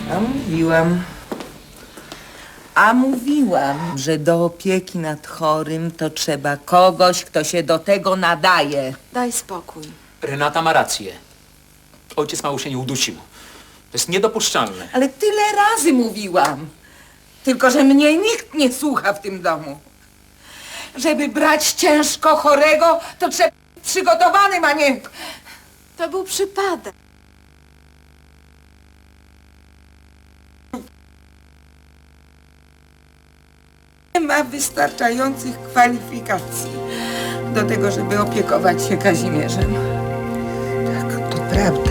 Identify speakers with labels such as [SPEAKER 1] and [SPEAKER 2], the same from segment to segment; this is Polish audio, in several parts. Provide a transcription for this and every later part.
[SPEAKER 1] A mówiłam, że do opieki nad chorym to trzeba kogoś, kto się do tego nadaje.
[SPEAKER 2] Daj spokój.
[SPEAKER 3] Renata ma rację. Ojciec Małysię nie udusił. To jest niedopuszczalne.
[SPEAKER 1] Ale tyle razy mówiłam. Tylko że mnie nikt nie słucha w tym domu. Żeby brać ciężko chorego, to trzeba być przygotowanym, a nie...
[SPEAKER 2] To był przypadek.
[SPEAKER 1] Nie ma wystarczających kwalifikacji do tego, żeby opiekować się Kazimierzem.
[SPEAKER 4] Tak, to prawda.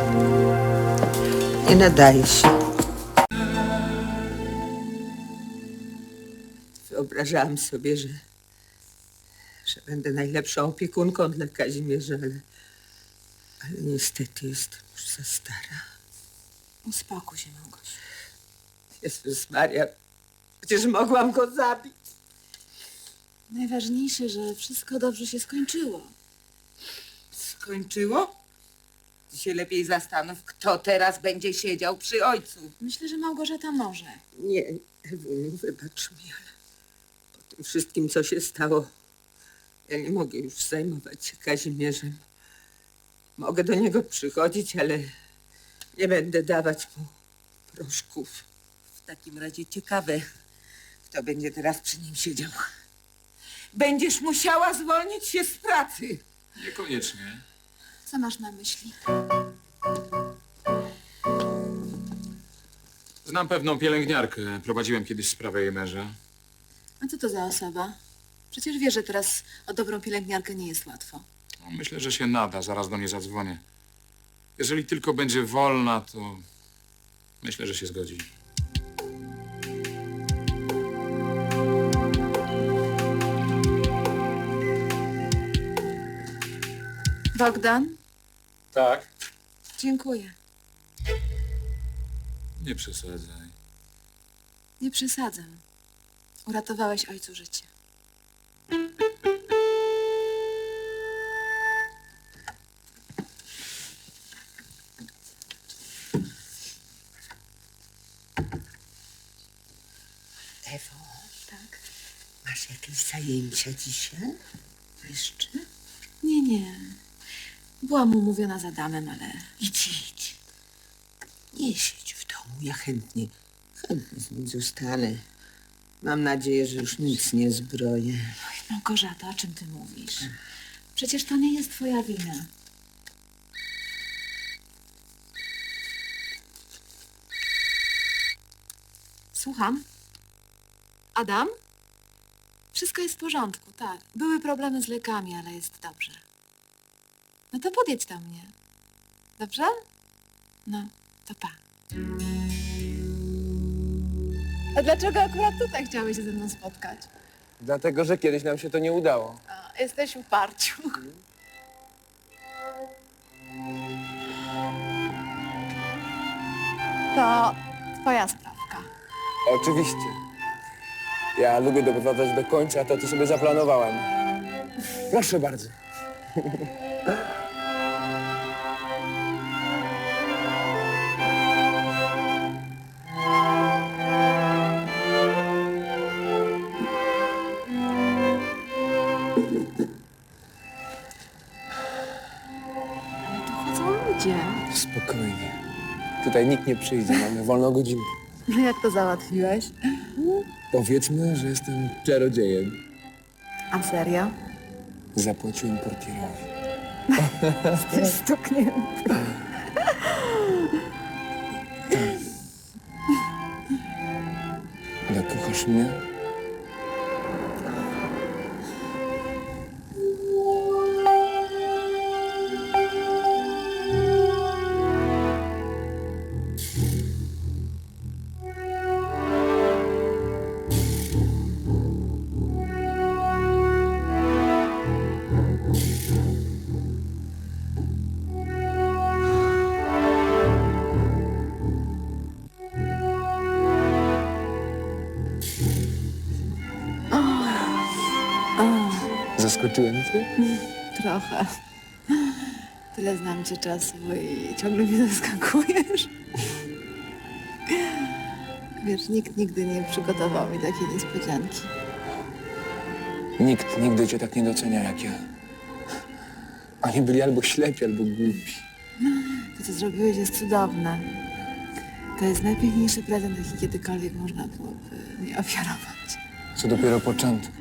[SPEAKER 4] Nie nadaje się. Wyobrażałam sobie, że będę najlepszą opiekunką dla Kazimierza, ale niestety jestem już za stara.
[SPEAKER 2] Uspokój się, Małgosiu.
[SPEAKER 4] Jezus Maria, przecież mogłam go zabić.
[SPEAKER 2] Najważniejsze, że wszystko dobrze się skończyło.
[SPEAKER 1] Skończyło? Ty się lepiej zastanów, kto teraz będzie siedział przy ojcu.
[SPEAKER 2] Myślę, że Małgorzata może.
[SPEAKER 4] Nie, Ewuniu, wybacz mi, ale po tym wszystkim, co się stało, ja nie mogę już zajmować się Kazimierzem. Mogę do niego przychodzić, ale nie będę dawać mu proszków.
[SPEAKER 1] W takim razie ciekawe, kto będzie teraz przy nim siedział. Będziesz musiała zwolnić się z pracy.
[SPEAKER 3] Niekoniecznie.
[SPEAKER 2] Co masz na myśli?
[SPEAKER 3] Znam pewną pielęgniarkę. Prowadziłem kiedyś sprawę jej męża.
[SPEAKER 2] A co to za osoba? Przecież wiesz, że teraz o dobrą pielęgniarkę nie jest łatwo.
[SPEAKER 3] No, myślę, że się nada. Zaraz do niej zadzwonię. Jeżeli tylko będzie wolna, to myślę, że się zgodzi.
[SPEAKER 2] Bogdan?
[SPEAKER 3] Tak?
[SPEAKER 2] Dziękuję.
[SPEAKER 3] Nie przesadzaj.
[SPEAKER 2] Nie przesadzam. Uratowałeś ojcu życie.
[SPEAKER 4] Ewo,
[SPEAKER 2] Tak?
[SPEAKER 4] masz jakieś zajęcia dzisiaj? Jeszcze?
[SPEAKER 2] Nie. Byłam umówiona z Adamem, ale...
[SPEAKER 4] Idź. Nie siedź w domu, ja chętnie z nim zostanę. Mam nadzieję, że już nic nie zbroję.
[SPEAKER 2] Małgorzata, o czym ty mówisz? Przecież to nie jest twoja wina. Słucham? Adam? Wszystko jest w porządku, tak. Były problemy z lekami, ale jest dobrze. No to podjedź do mnie. Dobrze? No, to pa. A dlaczego akurat tutaj chciałeś się ze mną spotkać?
[SPEAKER 5] Dlatego, że kiedyś nam się to nie udało.
[SPEAKER 2] A, jesteś w parciu. To twoja sprawka.
[SPEAKER 5] Oczywiście. Ja lubię doprowadzać do końca to, co sobie zaplanowałem. Proszę bardzo.
[SPEAKER 2] Tu chodzą ludzie.
[SPEAKER 5] Spokojnie. Tutaj nikt nie przyjdzie, mamy wolną godzinę.
[SPEAKER 2] No jak to załatwiłeś?
[SPEAKER 5] Powiedzmy, że jestem czarodziejem.
[SPEAKER 2] A serio?
[SPEAKER 5] Zapłaciłem portierowi.
[SPEAKER 2] Jesteś stuknięty.
[SPEAKER 5] Ale kochasz mnie? Zaskoczyłem cię?
[SPEAKER 2] Trochę. Tyle znam cię czasu i ciągle mnie zaskakujesz. Wiesz, nikt nigdy nie przygotował mi takiej niespodzianki.
[SPEAKER 5] Nikt nigdy cię tak nie docenia jak ja. Oni byli albo ślepi, albo głupi.
[SPEAKER 2] To, co zrobiłeś, jest cudowne. To jest najpiękniejszy prezent, jaki kiedykolwiek można byłoby mi ofiarować.
[SPEAKER 5] Co dopiero początek.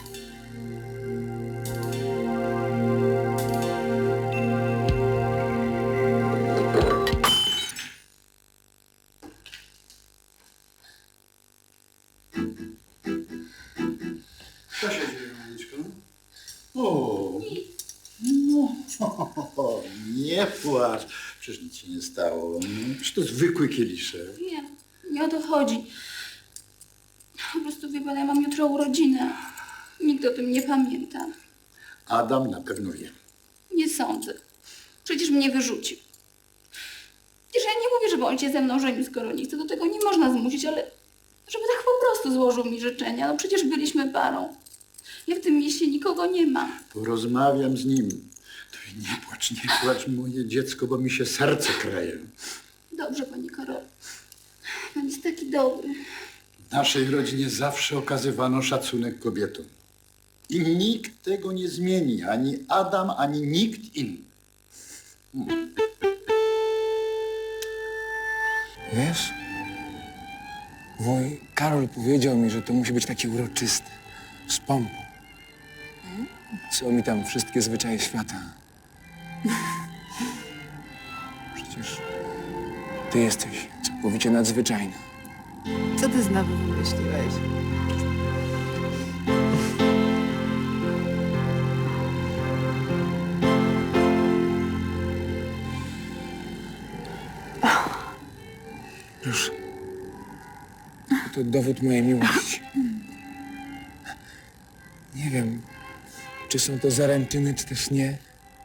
[SPEAKER 6] Co się dzieje, Maniczko? O, no, nie płacz. Przecież nic się nie stało. Przecież to zwykły kieliszek.
[SPEAKER 7] Nie, nie o to chodzi. Po prostu wie pan, ja mam jutro urodziny. Nikt o tym nie pamięta.
[SPEAKER 6] Adam na pewno wie.
[SPEAKER 7] Nie sądzę. Przecież mnie wyrzucił. Przecież ja nie mówię, żeby on się ze mną żenił, skoro nie chce. Do tego nie można zmusić, ale żeby tak po prostu złożył mi życzenia. No przecież byliśmy parą. Ja w tym mieście nikogo nie mam.
[SPEAKER 6] Porozmawiam z nim. To i nie płacz, moje dziecko, bo mi się serce kraje.
[SPEAKER 7] Dobrze, pani Karol. Pan jest taki dobry.
[SPEAKER 6] W naszej rodzinie zawsze okazywano szacunek kobietom. I nikt tego nie zmieni. Ani Adam, ani nikt inny.
[SPEAKER 5] Wiesz? Wuj Karol powiedział mi, że to musi być takie uroczyste. Z pompą. Co mi tam wszystkie zwyczaje świata. Przecież ty jesteś całkowicie nadzwyczajna.
[SPEAKER 2] Co ty znowu wymyśliłeś?
[SPEAKER 5] Proszę. To dowód mojej miłości. Nie wiem, czy są to zaręczyny, czy też nie.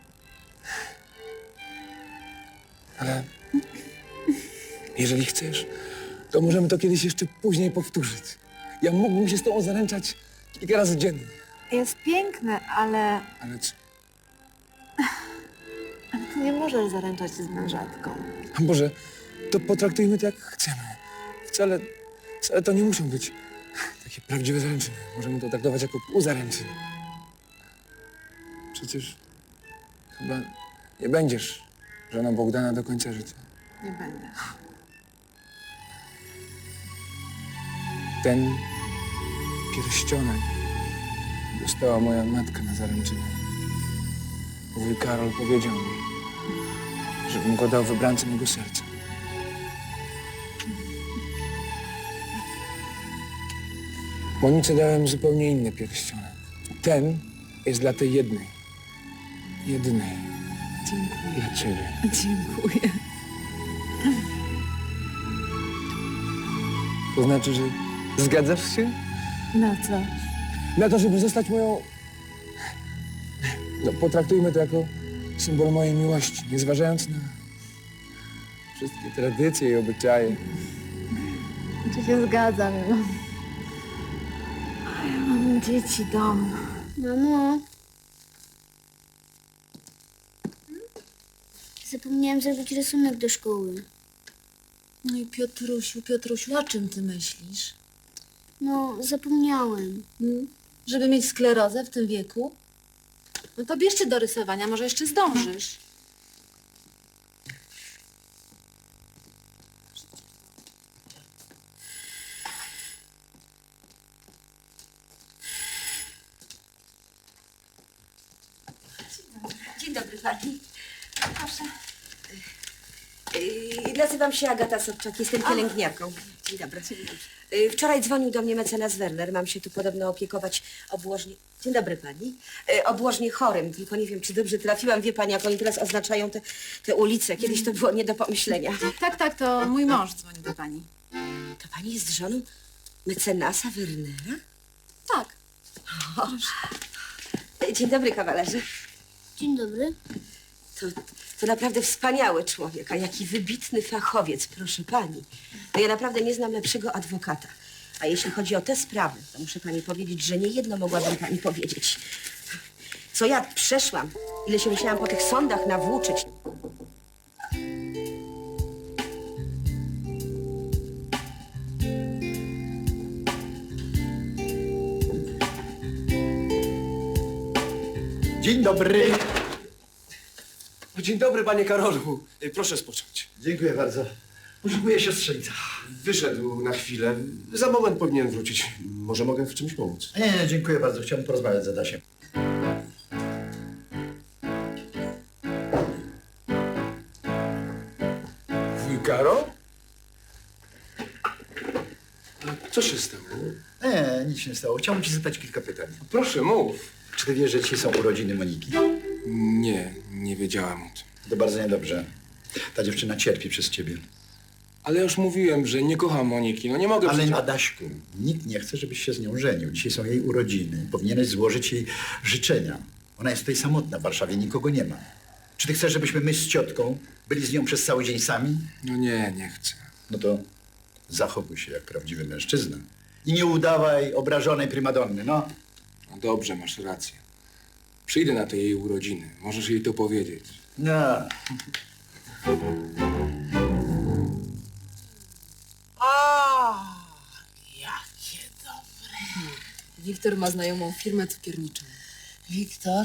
[SPEAKER 5] Ale jeżeli chcesz, to możemy to kiedyś jeszcze później powtórzyć. Ja mógłbym się z tobą zaręczać kilka razy dziennie.
[SPEAKER 2] Jest piękne, ale
[SPEAKER 5] Ale co?
[SPEAKER 2] ty nie możesz zaręczać się z mężatką.
[SPEAKER 5] A Boże, to potraktujmy to jak chcemy. Wcale to nie muszą być takie prawdziwe zaręczyny. Możemy to traktować jako półzaręczyny. Przecież chyba nie będziesz żoną Bogdana do końca życia.
[SPEAKER 2] Nie będę.
[SPEAKER 5] Ten pierścionek dostała moja matka na zaręczynę. Wuj Karol powiedział mi, żebym go dał wybrance mego serca. Monice dałem zupełnie inny pierścionek. Ten jest dla tej jednej. Jedynej.
[SPEAKER 2] Dziękuję.
[SPEAKER 5] Dla ciebie.
[SPEAKER 2] Dziękuję.
[SPEAKER 5] To znaczy, że zgadzasz się?
[SPEAKER 2] Na co?
[SPEAKER 5] Na to, żeby zostać moją... No, potraktujmy to jako symbol mojej miłości, nie zważając na wszystkie tradycje i obyczaje.
[SPEAKER 2] Czy się zgadzam? Ja mam dzieci, dom.
[SPEAKER 8] Mamo. Zapomniałam zrobić rysunek do szkoły.
[SPEAKER 2] No i Piotrusiu, o czym ty myślisz?
[SPEAKER 8] No, zapomniałem.
[SPEAKER 2] Żeby mieć sklerozę w tym wieku? No to bierzcie do rysowania, może jeszcze zdążysz.
[SPEAKER 9] Dzień dobry pani. Proszę. Nazywam się Agata Sobczak, jestem pielęgniarką. Dzień dobry. Wczoraj dzwonił do mnie mecenas Werner. Mam się tu podobno opiekować obłożnie... Dzień dobry pani. Obłożnie chorym, tylko nie wiem, czy dobrze trafiłam. Wie pani, jak oni teraz oznaczają te ulice. Kiedyś to było nie do pomyślenia.
[SPEAKER 2] Tak, to mój mąż dzwoni do pani.
[SPEAKER 9] To pani jest żoną mecenasa Wernera?
[SPEAKER 2] Tak.
[SPEAKER 9] Dzień dobry, kawalerze.
[SPEAKER 8] Dzień dobry.
[SPEAKER 9] To naprawdę wspaniały człowiek, a jaki wybitny fachowiec, proszę pani. No ja naprawdę nie znam lepszego adwokata. A jeśli chodzi o te sprawy, to muszę pani powiedzieć, że nie jedno mogłabym pani powiedzieć. Co ja przeszłam, ile się musiałam po tych sądach nawłóczyć.
[SPEAKER 6] Dzień dobry.
[SPEAKER 10] Dzień dobry, panie Karolu. Proszę spocząć.
[SPEAKER 6] Dziękuję bardzo. Poszukuję siostrzeńca.
[SPEAKER 10] Wyszedł na chwilę. Za moment powinien wrócić. Może mogę w czymś pomóc?
[SPEAKER 6] Nie, dziękuję bardzo. Chciałem porozmawiać z Adasiem.
[SPEAKER 5] Wuj Karol?
[SPEAKER 10] Co się stało?
[SPEAKER 6] Nie, nic się nie stało. Chciałbym ci zadać kilka pytań.
[SPEAKER 5] Proszę, mów.
[SPEAKER 6] Czy ty wiesz, że dzisiaj są urodziny Moniki?
[SPEAKER 5] Nie wiedziałam o tym.
[SPEAKER 6] To bardzo niedobrze. Ta dziewczyna cierpi przez ciebie.
[SPEAKER 5] Ale już mówiłem, że nie kocham Moniki. No nie mogę
[SPEAKER 6] Ale
[SPEAKER 5] przecież...
[SPEAKER 6] Adaśku, nikt nie chce, żebyś się z nią żenił. Dzisiaj są jej urodziny. Powinieneś złożyć jej życzenia. Ona jest tutaj samotna w Warszawie, nikogo nie ma. Czy ty chcesz, żebyśmy my z ciotką byli z nią przez cały dzień sami?
[SPEAKER 5] No nie chcę.
[SPEAKER 6] No to zachowuj się jak prawdziwy mężczyzna. I nie udawaj obrażonej prymadonny, no.
[SPEAKER 5] No dobrze, masz rację. Przyjdę na te jej urodziny. Możesz jej to powiedzieć.
[SPEAKER 6] No.
[SPEAKER 2] Wiktor ma znajomą firmę cukierniczą.
[SPEAKER 9] Wiktor?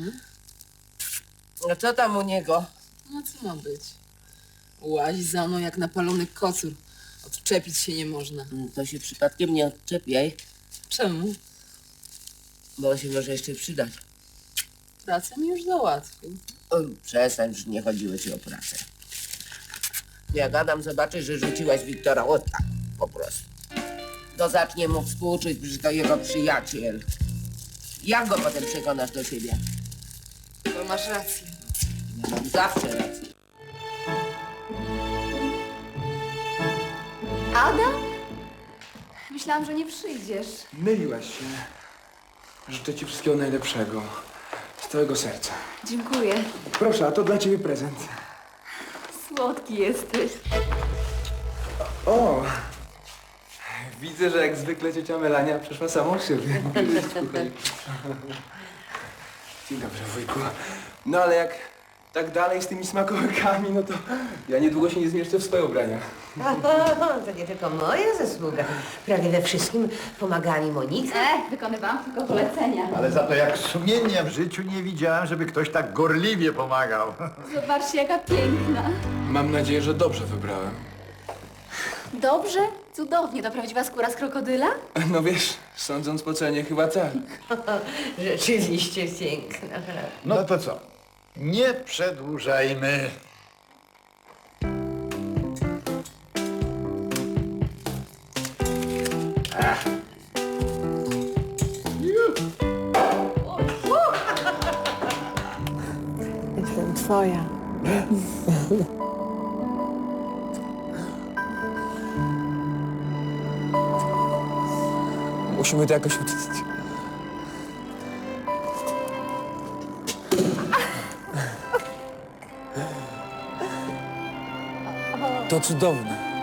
[SPEAKER 9] No co tam u niego?
[SPEAKER 2] No co ma być? Łazi za mną jak napalony kocur. Odczepić się nie można.
[SPEAKER 9] To się przypadkiem nie odczepiaj,
[SPEAKER 2] Czemu?
[SPEAKER 9] bo on się może jeszcze przydać.
[SPEAKER 2] Pracę mi już załatwił.
[SPEAKER 9] O, przestań, że nie chodziło ci o pracę. Jak Adam zobaczy, że rzuciłaś Wiktora, o tak, po prostu. To zacznie mu współczuć, że to jego przyjaciel. Jak go potem przekonasz do siebie?
[SPEAKER 2] To masz rację.
[SPEAKER 9] Ja mam zawsze rację.
[SPEAKER 7] Adam? Myślałam, że nie przyjdziesz.
[SPEAKER 5] Myliłaś się. Życzę ci wszystkiego najlepszego. Z całego serca.
[SPEAKER 7] Dziękuję.
[SPEAKER 5] Proszę, a to dla ciebie prezent.
[SPEAKER 7] Słodki jesteś.
[SPEAKER 5] O! Widzę, że jak zwykle ciocia Melania przeszła samą siebie. Dzień dobry, wujku. No ale jak tak dalej z tymi smakołykami, no to ja niedługo się nie zmieszczę w swoje ubrania.
[SPEAKER 9] To nie tylko moja zasługa. Prawie we wszystkim pomagali Monice.
[SPEAKER 7] Wykonywałam tylko polecenia.
[SPEAKER 6] Ale za to jak sumienia w życiu nie widziałem, żeby ktoś tak gorliwie pomagał.
[SPEAKER 7] Zobaczcie, jaka piękna.
[SPEAKER 5] Mam nadzieję, że dobrze wybrałem.
[SPEAKER 7] Dobrze? Cudownie. To prawdziwa skóra z krokodyla?
[SPEAKER 5] No wiesz, sądząc po cenie chyba tak.
[SPEAKER 9] Rzeczywiście piękna.
[SPEAKER 6] No to co? Nie przedłużajmy.
[SPEAKER 2] Jestem twoja.
[SPEAKER 5] Musimy to jakoś uczynić. To cudowne.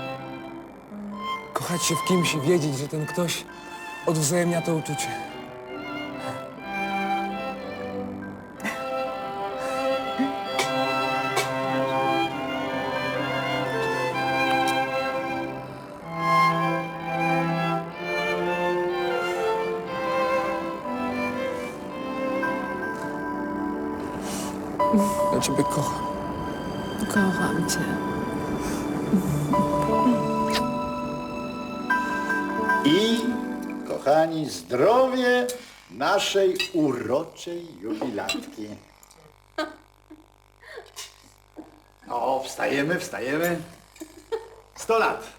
[SPEAKER 5] Kochać się w kimś i wiedzieć, że ten ktoś odwzajemnia to uczucie. Ja ciebie kocham.
[SPEAKER 2] Kocham cię.
[SPEAKER 6] I, kochani, zdrowie naszej uroczej jubilatki. O, wstajemy, wstajemy. 100 lat.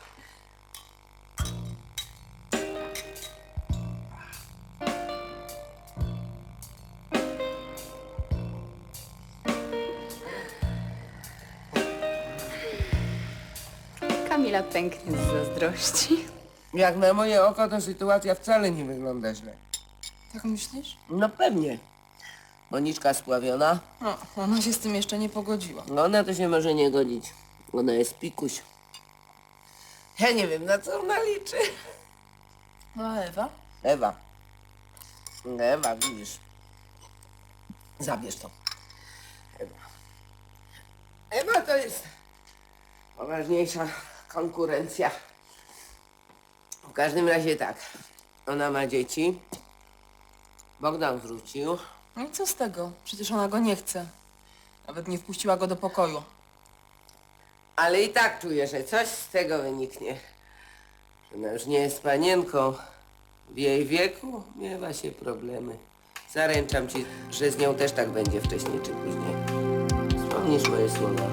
[SPEAKER 7] Kamila pęknie z zazdrości.
[SPEAKER 9] Jak na moje oko, to sytuacja wcale nie wygląda źle.
[SPEAKER 2] Tak myślisz?
[SPEAKER 9] No pewnie. Moniczka spławiona.
[SPEAKER 2] No, ona się z tym jeszcze nie pogodziła.
[SPEAKER 9] No ona to się może nie godzić. Ona jest pikuś. Ja nie wiem, na co ona liczy.
[SPEAKER 2] No a Ewa?
[SPEAKER 9] Ewa. Ewa, widzisz. Zabierz to. Ewa. Ewa to jest poważniejsza konkurencja. W każdym razie tak. Ona ma dzieci. Bogdan wrócił.
[SPEAKER 2] No i co z tego? Przecież ona go nie chce. Nawet nie wpuściła go do pokoju.
[SPEAKER 11] Ale i tak czuję, że coś z tego wyniknie. Że ona już nie jest panienką. W jej wieku miewa się problemy. Zaręczam ci, że z nią też tak będzie wcześniej czy później. Wspomnisz moje słowa.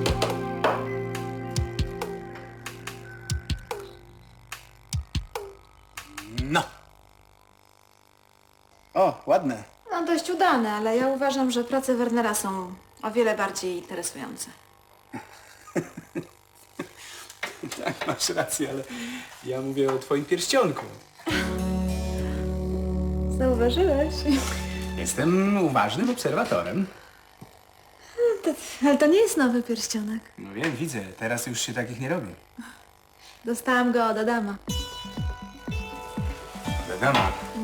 [SPEAKER 5] No. O, ładne.
[SPEAKER 2] No dość udane, ale ja uważam, że prace Wernera są o wiele bardziej interesujące.
[SPEAKER 5] Tak, masz rację, ale ja mówię o twoim pierścionku.
[SPEAKER 2] Zauważyłeś?
[SPEAKER 5] Jestem uważnym obserwatorem.
[SPEAKER 2] Ale to nie jest nowy pierścionek.
[SPEAKER 5] No wiem, widzę. Teraz już się takich nie robi.
[SPEAKER 2] Dostałam go od Adama.
[SPEAKER 5] Wiadomo.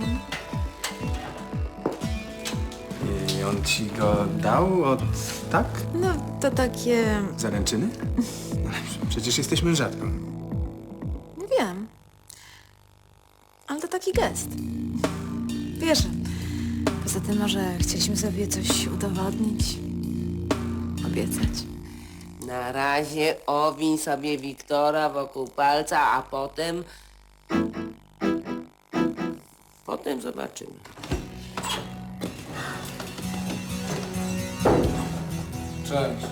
[SPEAKER 5] I on ci go dał od... tak?
[SPEAKER 2] No to takie...
[SPEAKER 5] Zaręczyny? Ale przecież jesteś mężatką.
[SPEAKER 2] Nie wiem. Ale to taki gest. Wiesz, poza tym może chcieliśmy sobie coś udowodnić. Obiecać.
[SPEAKER 11] Na razie owiń sobie Wiktora wokół palca, a potem... Potem zobaczymy.
[SPEAKER 3] Cześć.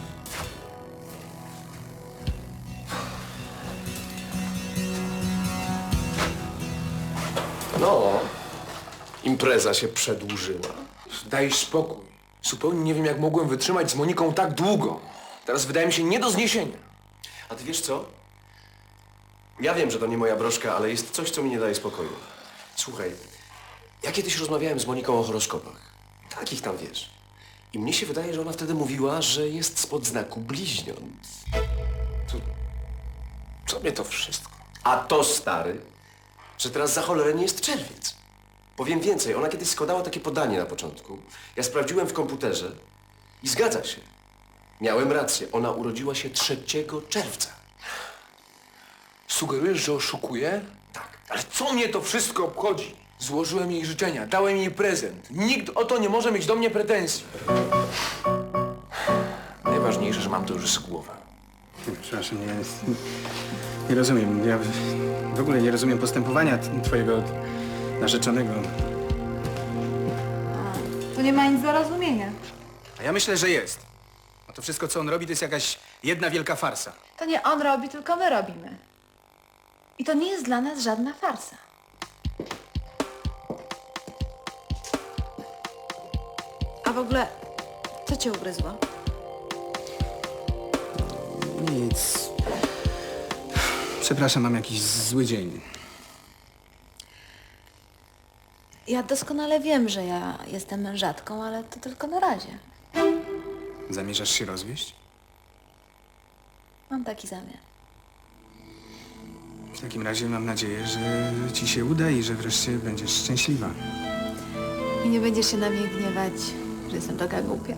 [SPEAKER 10] No, impreza się przedłużyła.
[SPEAKER 12] Daj spokój. Zupełnie nie wiem, jak mogłem wytrzymać z Moniką tak długo. Teraz wydaje mi się nie do zniesienia.
[SPEAKER 10] A ty wiesz co? Ja wiem, że to nie moja broszka, ale jest coś, co mi nie daje spokoju. Słuchaj, ja kiedyś rozmawiałem z Moniką o horoskopach. Takich tam wiesz. I mnie się wydaje, że ona wtedy mówiła, że jest spod znaku bliźniąt.
[SPEAKER 12] Co mnie to wszystko?
[SPEAKER 10] A to, stary, że teraz za cholerę nie jest czerwiec. Powiem więcej, ona kiedyś składała takie podanie na początku. Ja sprawdziłem w komputerze i zgadza się. Miałem rację, ona urodziła się 3 czerwca.
[SPEAKER 12] Sugerujesz, że oszukuję? Tak. Ale co mnie to wszystko obchodzi? Złożyłem jej życzenia, dałem jej prezent. Nikt o to nie może mieć do mnie pretensji. Najważniejsze, że mam to już z głowy.
[SPEAKER 5] Przepraszam, nie rozumiem. Ja w ogóle nie rozumiem postępowania twojego narzeczonego.
[SPEAKER 2] To nie ma nic do rozumienia.
[SPEAKER 5] A ja myślę, że jest. A to wszystko, co on robi, to jest jakaś jedna wielka farsa.
[SPEAKER 2] To nie on robi, tylko my robimy. I to nie jest dla nas żadna farsa. A w ogóle, co cię ugryzło?
[SPEAKER 5] Nic. Przepraszam, mam jakiś zły dzień.
[SPEAKER 2] Ja doskonale wiem, że ja jestem mężatką, ale to tylko na razie.
[SPEAKER 5] Zamierzasz się rozwieść?
[SPEAKER 2] Mam taki zamiar.
[SPEAKER 5] W takim razie mam nadzieję, że ci się uda i że wreszcie będziesz szczęśliwa.
[SPEAKER 2] I nie będziesz się na mnie gniewać, że jestem taka głupia.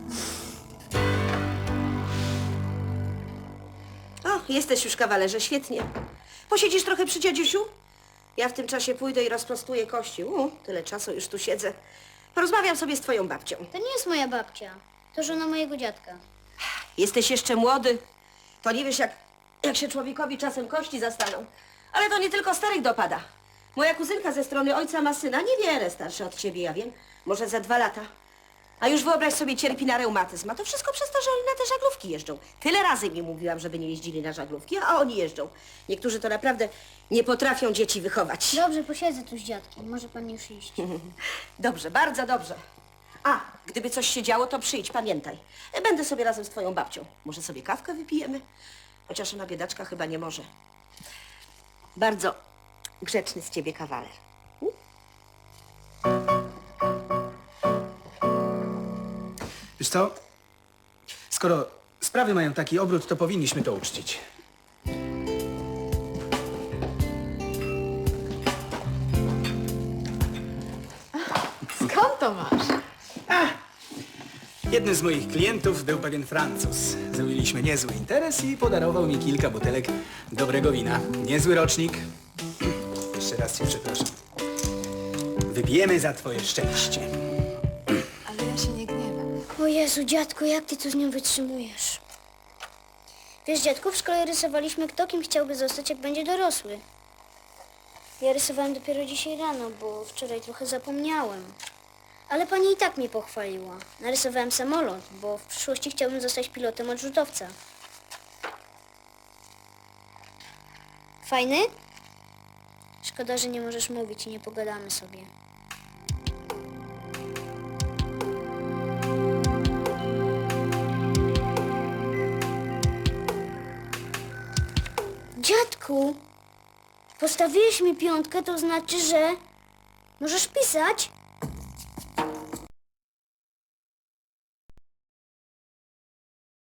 [SPEAKER 9] O, jesteś już, kawalerze, świetnie. Posiedzisz trochę przy dziadziusiu? Ja w tym czasie pójdę i rozprostuję kości. Tyle czasu już tu siedzę. Porozmawiam sobie z twoją babcią.
[SPEAKER 8] To nie jest moja babcia. To żona mojego dziadka.
[SPEAKER 9] Jesteś jeszcze młody. To nie wiesz, jak się człowiekowi czasem kości zastaną. Ale to nie tylko starych dopada. Moja kuzynka ze strony ojca ma syna, niewiele starszy od ciebie, ja wiem. Może za 2 lata. A już wyobraź sobie, cierpi na reumatyzm. A to wszystko przez to, że oni na te żaglówki jeżdżą. Tyle razy mi mówiłam, żeby nie jeździli na żaglówki, a oni jeżdżą. Niektórzy to naprawdę nie potrafią dzieci wychować.
[SPEAKER 8] Dobrze, posiedzę tu z dziadkiem. Może pan już iść.
[SPEAKER 9] Dobrze, bardzo dobrze. A, gdyby coś się działo, to przyjdź, pamiętaj. Będę sobie razem z twoją babcią. Może sobie kawkę wypijemy? Chociaż ona, biedaczka, chyba nie może. Bardzo grzeczny z ciebie kawaler.
[SPEAKER 5] Wiesz co? Skoro sprawy mają taki obrót, to powinniśmy to uczcić.
[SPEAKER 2] Skąd to masz?
[SPEAKER 5] Jednym z moich klientów był pewien Francuz. Zrobiliśmy niezły interes i podarował mi kilka butelek dobrego wina. Niezły rocznik. Jeszcze raz cię przepraszam. Wypijemy za twoje szczęście.
[SPEAKER 8] O Jezu, dziadku, jak ty tu z nią wytrzymujesz? Wiesz, dziadku, w szkole rysowaliśmy, kto kim chciałby zostać, jak będzie dorosły. Ja rysowałem dopiero dzisiaj rano, bo wczoraj trochę zapomniałem. Ale pani i tak mnie pochwaliła. Narysowałem samolot, bo w przyszłości chciałbym zostać pilotem odrzutowca. Fajny? Szkoda, że nie możesz mówić i nie pogadamy sobie. Dziadku, postawiłeś mi 5, to znaczy, że możesz pisać?